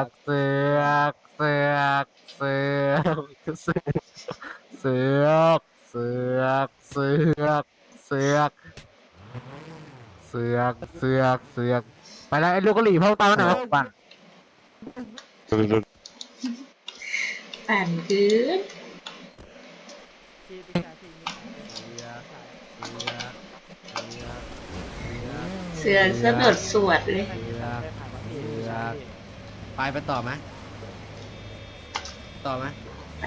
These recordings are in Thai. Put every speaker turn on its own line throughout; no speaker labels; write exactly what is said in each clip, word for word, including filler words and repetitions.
กเสือกเสือกเสือกเสือกเสือกเสือกเสือกเสือกเสือกเสือกเสือกไปแล้วไอ้ลูกกะหรี่เพิ่มตามหน่อยปั่น
ปั่นคืนเสือกสะดุดสวดเลย
ไปไปต่อไหมต่อไหม
ไป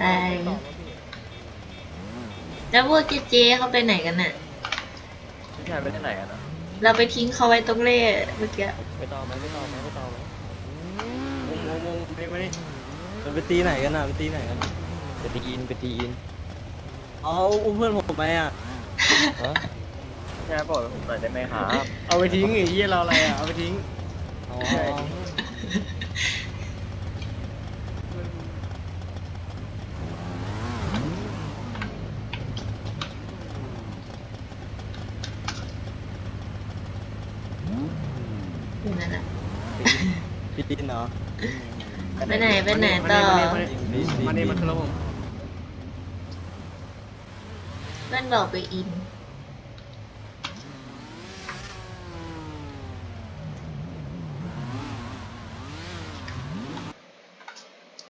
แล้วพวกเจเจเขาไปไหนกันน่ะ
พี่ชายไปที่ไหนกันนะ
เราไปทิ้งเขาไว้ตรงเล่เมื่อกี้
ไปต่อไหมไม่ต่อไหมไม่ต่อไหม
งงงงไปมาดิ
มันไปตีไหนกันอ่ะไปตีไหนกัน
ไปตีอินไปตีอิน
เอาอุ้มเพื่อนผมไปอ่ะ
ฮะพี่ชายบอกผมหน่อยได้ไหมครับ
เอาไปทิ้งไอ้เหี้ยเราอะไรอ่ะเอาไปทิ้ง
อ๋อ
อยู่นั่นน่ะ
พี่ดินเหรอ
ไปไหนไปไหนต่อ
มาเนี่ยมาคือเราผม
เพื่อนบอกไปอิน
ไ